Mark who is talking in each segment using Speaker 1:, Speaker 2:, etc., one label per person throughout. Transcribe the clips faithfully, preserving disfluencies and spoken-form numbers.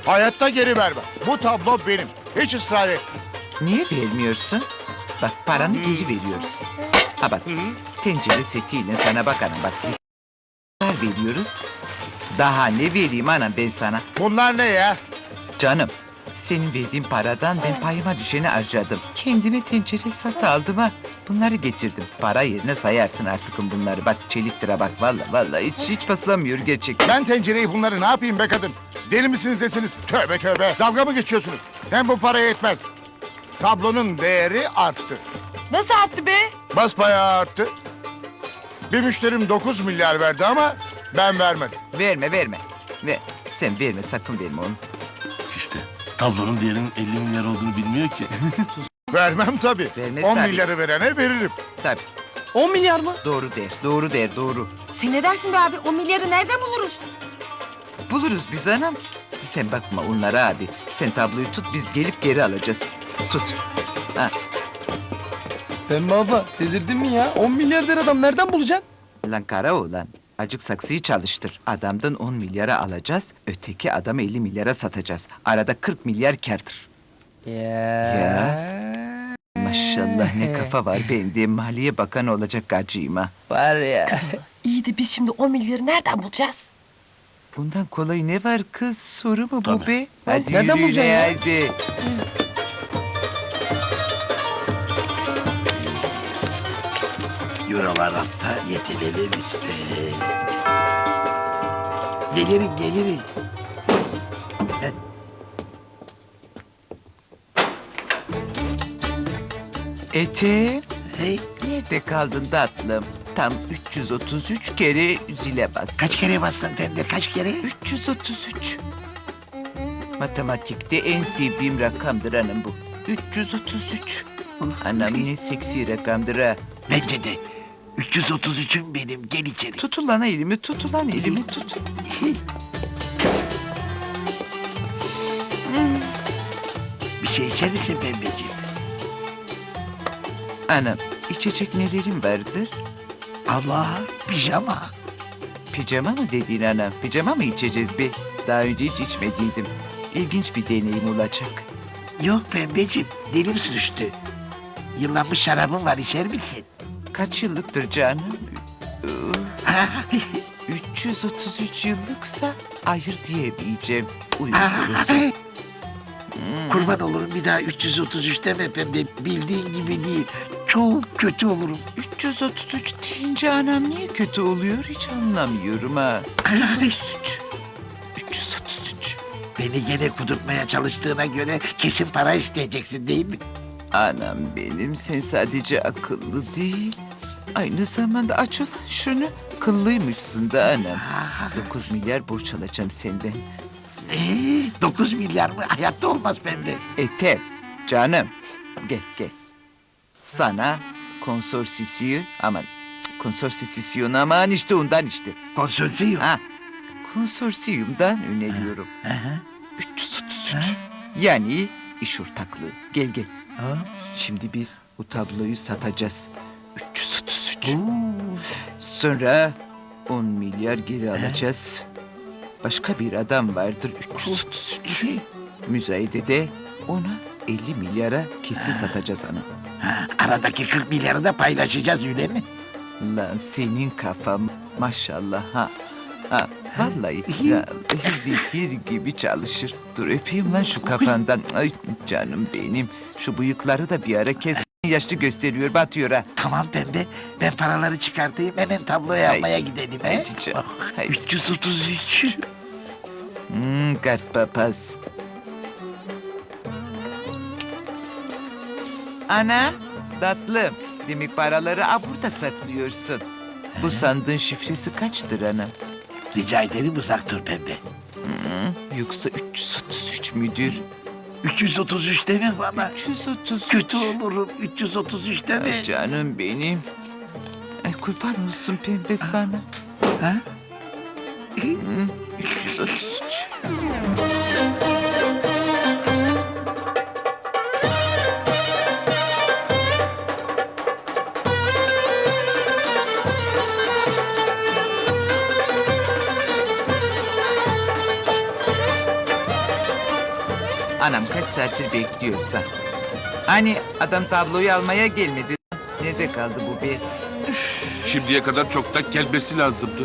Speaker 1: Hayatta geri vermem. Bu tablo benim. Hiç ısrar et.
Speaker 2: Niye vermiyorsun? Bak paranı geri veriyoruz. Ha bak tencere setiyle sana bak anam bak. Veriyoruz. Daha ne vereyim anam ben sana?
Speaker 1: Bunlar ne ya?
Speaker 2: Canım senin verdiğin paradan ben payıma düşeni harcadım. Kendime tencere sat aldım ha. Bunları getirdim. Para yerine sayarsın artık bunları. Bak çeliktire bak vallahi vallahi hiç hiç basılamıyor gerçekten.
Speaker 1: Ben tencereyi bunları ne yapayım be kadın? Deli misiniz desiniz? Tövbe tövbe. Dalga mı geçiyorsunuz? Hem bu para yetmez. Tablonun değeri arttı.
Speaker 3: Nasıl arttı be?
Speaker 1: Basbayağı arttı. Bir müşterim dokuz milyar verdi ama ben vermedim.
Speaker 2: Verme verme. Ver. Sen verme sakın verme onu.
Speaker 4: İşte tablonun değerinin elli milyar olduğunu bilmiyor ki.
Speaker 1: Vermem tabii.
Speaker 2: Vermez
Speaker 1: on
Speaker 2: tabii.
Speaker 1: milyarı verene veririm.
Speaker 2: Tabii
Speaker 3: on milyar mı?
Speaker 2: doğru der doğru der doğru.
Speaker 3: Sen ne dersin be abi? on milyarı nereden buluruz?
Speaker 2: Buluruz biz anam. Sen bakma onlara abi. Sen tabloyu tut biz gelip geri alacağız. Tut. Ha.
Speaker 5: Pembe abla delirdin mi ya? on milyar der adam nereden bulacaksın?
Speaker 2: Lan kara oğlan. Acık saksıyı çalıştır. Adamdan on milyara alacağız. Öteki adamı elli milyara satacağız. Arada kırk milyar kârdır.
Speaker 5: Ya.
Speaker 2: Maşallah ne kafa var bende. Maliye Bakanı olacak gacıyım ha.
Speaker 5: Var ya.
Speaker 3: İyi de biz şimdi on milyarı nereden bulacağız?
Speaker 2: Bundan kolay ne var kız? Soru mu bu
Speaker 4: Tabii.
Speaker 2: be? Hadi
Speaker 5: Nereden
Speaker 2: yürüyün
Speaker 5: bulacaksın ya?
Speaker 2: hadi.
Speaker 6: Eurolar hatta yetinelim işte. Gelirim gelirim. Heh,
Speaker 2: Etem,
Speaker 6: hey,
Speaker 2: nerede kaldın tatlım? Tam üç yüz otuz üç kere zile bastım.
Speaker 6: kaç kere bastın pembe kaç kere?
Speaker 2: üç yüz otuz üç. Matematikte en sevdiğim rakamdır hanım bu. üç yüz otuz üç. Anam ne seksi rakamdır ha.
Speaker 6: Bence de. üç yüz otuz üçün benim gel içeri.
Speaker 2: Tut ulan elimi, tut ulan elimi tut.
Speaker 6: Bir şey içer misin pembeciğim?
Speaker 2: Anam içecek nelerim vardır?
Speaker 6: Allah pijama.
Speaker 2: Pijama mı dediğin anam? Pijama mı içeceğiz be? Daha önce hiç içmediydim. İlginç bir deneyim olacak.
Speaker 6: Yok pembeciğim dilim sürçtü. Yıllanmış şarabım var içer misin?
Speaker 2: Kaç yıllıktır canım? üç yüz otuz üç yıllıksa hayır diyemeyeceğim. Uyuyoruz.
Speaker 6: Kurban olurum bir daha üç yüz otuz üç deme pembe. Bildiğin gibi değil. Çok kötü olurum.
Speaker 2: üç yüz otuz üç deyince anam niye kötü oluyor hiç anlamıyorum ha. üç yüz otuz üç. üç yüz otuz üç.
Speaker 6: Beni gene kudurtmaya çalıştığına göre kesin para isteyeceksin değil mi?
Speaker 2: Anam benim sen sadece akıllı değil. Aynı zamanda aç ulan şunu. Kıllıymışsın da anam. dokuz milyar borç alacağım senden.
Speaker 6: Ee, dokuz milyar mı? Hayatta olmaz pembe.
Speaker 2: Etem canım gel gel. Sana konsorsisiyon aman konsorsisyon aman işte ondan işte.
Speaker 6: Konsorsiyum.
Speaker 2: Ha konsorsiyumdan öneriyorum.
Speaker 6: Hı hı.
Speaker 2: üç yüz otuz üç. Yani iş ortaklığı. Gel gel.
Speaker 6: Ha?
Speaker 2: Şimdi biz bu tabloyu satacağız. üç yüz otuz üç. Sonra on milyar geri alacağız. Başka bir adam vardır üç yüz otuz üç. Müzayedede ona elli milyara kesin satacağız ana.
Speaker 6: Ha, aradaki kırk milyarı da paylaşacağız öyle mi?
Speaker 2: Lan senin kafam maşallah ha. Ha vallahi ya, zehir gibi çalışır. Dur öpeyim lan şu kafandan. Ay canım benim. Şu bıyıkları da bir ara kes. Yaşlı gösteriyor batıyor ha.
Speaker 6: Tamam pembe. Ben paraları çıkartayım hemen tabloyu
Speaker 2: Haydi.
Speaker 6: almaya gidelim. He?
Speaker 2: Haydi canım, haydi.
Speaker 6: üç yüz otuz üç.
Speaker 2: Hmm, kart papaz. Ana, tatlım. Demek paraları a burada saklıyorsun. Bu sandığın şifresi kaçtır anam?
Speaker 6: Rica ederim uzak dur pembe.
Speaker 2: Yoksa üç yüz otuz üç müdür?
Speaker 6: üç yüz otuz üç deme bana.
Speaker 2: üç yüz otuz üç.
Speaker 6: Kötü olurum. üç yüz otuz üç deme.
Speaker 2: Ay canım benim. Ay kurban olsun pembe sana.
Speaker 6: Ha?
Speaker 2: üç yüz otuz üç. Anam kaç saattir bekliyorsa. Hani adam tabloyu almaya gelmedi. Nerede kaldı bu be?
Speaker 7: Şimdiye kadar çoktan gelmesi lazımdı.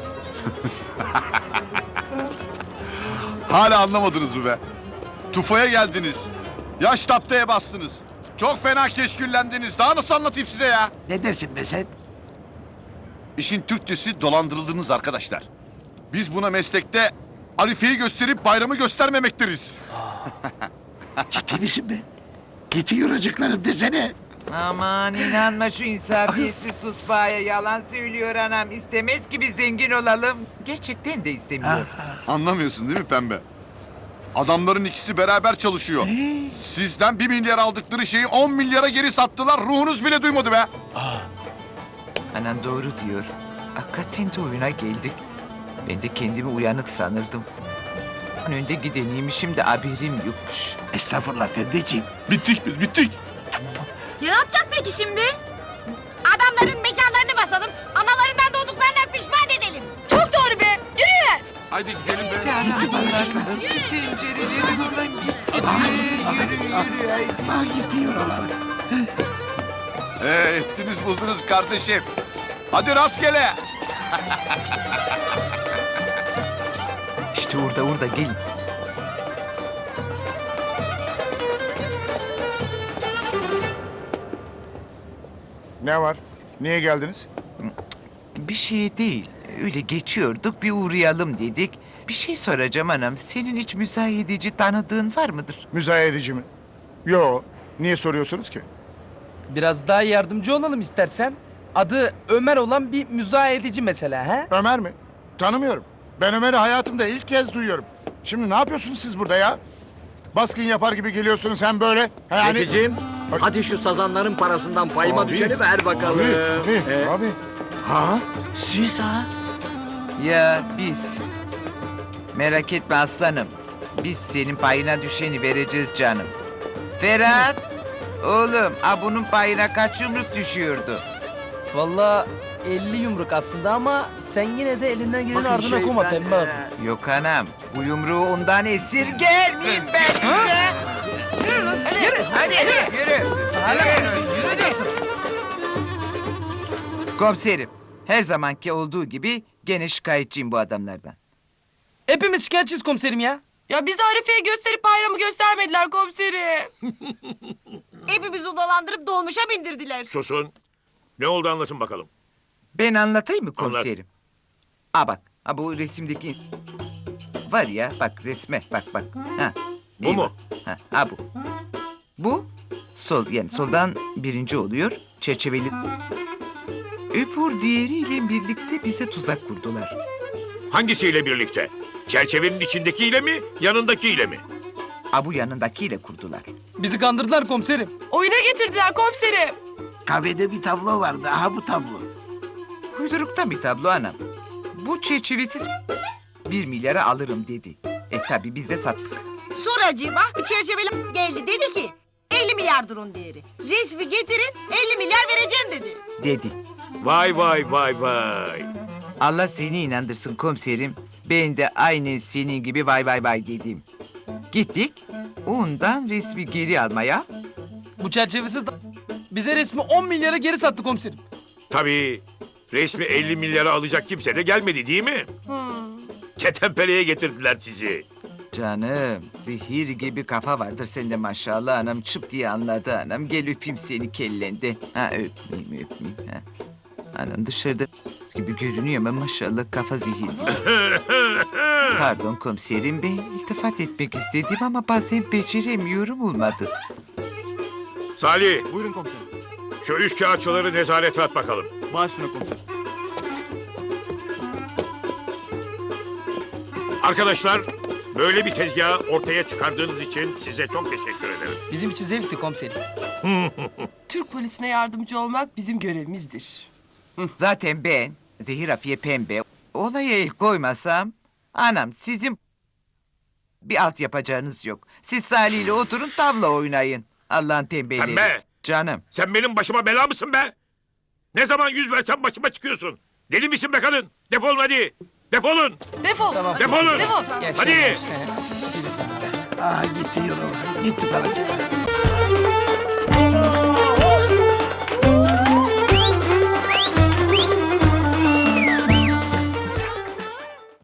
Speaker 1: Hala anlamadınız mı be? Tufaya geldiniz. Yaş tatlıya bastınız. Çok fena keşküllendiniz. Daha nasıl anlatayım size ya?
Speaker 6: Ne dersin be sen?
Speaker 1: İşin Türkçesi dolandırıldınız arkadaşlar. Biz buna meslekte Arife'yi gösterip bayramı göstermemek deriz.
Speaker 6: Ciddi misin be? Gitti yoracaklarım desene.
Speaker 2: Aman inanma şu insafiyetsiz tuspaya, yalan söylüyor anam. İstemez ki biz zengin olalım. Gerçekten de istemiyor.
Speaker 1: Anlamıyorsun değil mi Pembe? Adamların ikisi beraber çalışıyor. Sizden bir milyar aldıkları şeyi on milyara geri sattılar. Ruhunuz bile duymadı be.
Speaker 2: Anam doğru diyor. Hakikaten de oyuna geldik. Ben de kendimi uyanık sanırdım. Önde gideniymişim de haberim yokmuş.
Speaker 6: Estağfurullah pembeciğim.
Speaker 7: Bittik biz bittik.
Speaker 8: Ya ne yapacağız peki şimdi? Adamların mekanlarını basalım, analarından doğduklarına pişman edelim.
Speaker 3: Çok doğru be. Yürü.
Speaker 7: Haydi gidelim be.
Speaker 6: Gitti bağıracaklar.
Speaker 2: Tencereleri buradan gitti. Yürü yürü haydi.
Speaker 6: Ah gitti yoralar.
Speaker 1: Ee, ettiniz buldunuz kardeşim. Hadi rastgele.
Speaker 2: İşte orada orada gelin.
Speaker 1: Ne var? Niye geldiniz?
Speaker 2: Bir şey değil. Öyle geçiyorduk bir uğrayalım dedik. Bir şey soracağım anam. Senin hiç müzayedeci tanıdığın var mıdır?
Speaker 1: Müzayedeci mi? Yo. Niye soruyorsunuz ki?
Speaker 5: Biraz daha yardımcı olalım istersen. Adı Ömer olan bir müzayedeci mesela ha?
Speaker 1: Ömer mi? Tanımıyorum. Ben Ömer'i hayatımda ilk kez duyuyorum. Şimdi ne yapıyorsunuz siz burada ya? Baskın yapar gibi geliyorsunuz hem böyle. ha Yani...
Speaker 9: Zekicim,
Speaker 1: Ay.
Speaker 9: hadi şu sazanların parasından payıma
Speaker 1: Abi.
Speaker 9: düşeni ver bakalım.
Speaker 1: Abi, abi,
Speaker 9: Ee,
Speaker 1: abi.
Speaker 6: Ha? Siz ha?
Speaker 2: Ya biz. Merak etme aslanım. Biz senin payına düşeni vereceğiz canım. Ferhat. Oğlum, a bunun payına kaç yumruk düşüyordu?
Speaker 5: Vallahi elli yumruk aslında ama sen yine de elinden gelenin
Speaker 9: bakın
Speaker 5: ardına
Speaker 9: şey,
Speaker 5: koma
Speaker 9: ben,
Speaker 5: pembe abi.
Speaker 9: e,
Speaker 2: Yok anam, bu yumruğu ondan esirger miyim ben hiç? Yürü, hadi yürü, yürü. Yürü diyorsun. Komiserim, her zamanki olduğu gibi gene şikayetçiyim bu adamlardan.
Speaker 5: Hepimiz şikayetçiyiz komiserim ya.
Speaker 3: Ya bizi Arife'ye gösterip bayramı göstermediler komiserim.
Speaker 8: Hepimizi dolandırıp dolmuşa bindirdiler.
Speaker 10: Susun. Ne oldu anlatın bakalım.
Speaker 2: Ben anlatayım mı komiserim? Aa bak, ha bu resimdeki... Var ya, bak resme, bak bak. Ha,
Speaker 10: Bu
Speaker 2: iyi
Speaker 10: mu?
Speaker 2: bak. Ha, ha bu. Bu, sol, yani soldan birinci oluyor, çerçeveli. Öbür diğeriyle birlikte bize tuzak kurdular.
Speaker 10: Hangisiyle birlikte? Çerçevenin içindekiyle mi, yanındakiyle mi?
Speaker 2: Ha bu yanındakiyle kurdular.
Speaker 5: Bizi kandırdılar komiserim.
Speaker 3: Oyuna getirdiler komiserim.
Speaker 6: Kahvede bir tablo vardı. Aha bu tablo.
Speaker 2: Uyduruktan bir tablo anam. Bu çerçevesiz bir milyara alırım dedi. E tabi biz de sattık.
Speaker 8: Suracığıma bir çerçeveli geldi dedi ki elli milyar durun değeri. Resmi getirin elli milyar vereceğim dedi.
Speaker 2: Dedi.
Speaker 10: Vay vay vay vay.
Speaker 2: Allah seni inandırsın komiserim. Ben de aynen senin gibi vay vay vay dedim. Gittik. Ondan resmi geri almaya.
Speaker 5: Bu çerçevesiz da- bize resmi on milyara geri sattı komiserim.
Speaker 10: Tabii resmi elli milyara alacak kimse de gelmedi değil mi? Ketempeleye getirdiler sizi.
Speaker 2: Canım zehir gibi kafa vardır sende maşallah anam. Çıp diye anladı anam. Gel öpeyim seni kellenden. Ha öpmeyeyim öpmeyeyim. Ha. Anam dışarıda gibi görünüyor ama maşallah kafa zehirli. Pardon komiserim ben iltifat etmek istedim ama bazen beceremiyorum olmadı.
Speaker 10: Salih,
Speaker 9: Buyurun komiserim.
Speaker 10: şu üç kağıtçıları nezarete at bakalım.
Speaker 9: Baş üstüne komiserim.
Speaker 10: Arkadaşlar, böyle bir tezgahı ortaya çıkardığınız için size çok teşekkür ederim.
Speaker 5: Bizim için zevkti komiserim.
Speaker 3: Türk polisine yardımcı olmak bizim görevimizdir.
Speaker 2: Zaten ben Zehir Afiye Pembe olaya el koymasam anam sizin bir alt yapacağınız yok. Siz Salih ile oturun tavla oynayın. Allah'ın tembelleri.
Speaker 10: Pembe!
Speaker 2: Canım.
Speaker 10: Sen benim başıma bela mısın be? Ne zaman yüz versen başıma çıkıyorsun. Deli misin be kadın? Defolun hadi. Defolun.
Speaker 3: Defol.
Speaker 5: Tamam.
Speaker 10: Defolun.
Speaker 3: Defol.
Speaker 5: İyi
Speaker 10: Hadi.
Speaker 5: akşamlar.
Speaker 6: Ah gitti yaralar, gitti paracıklar.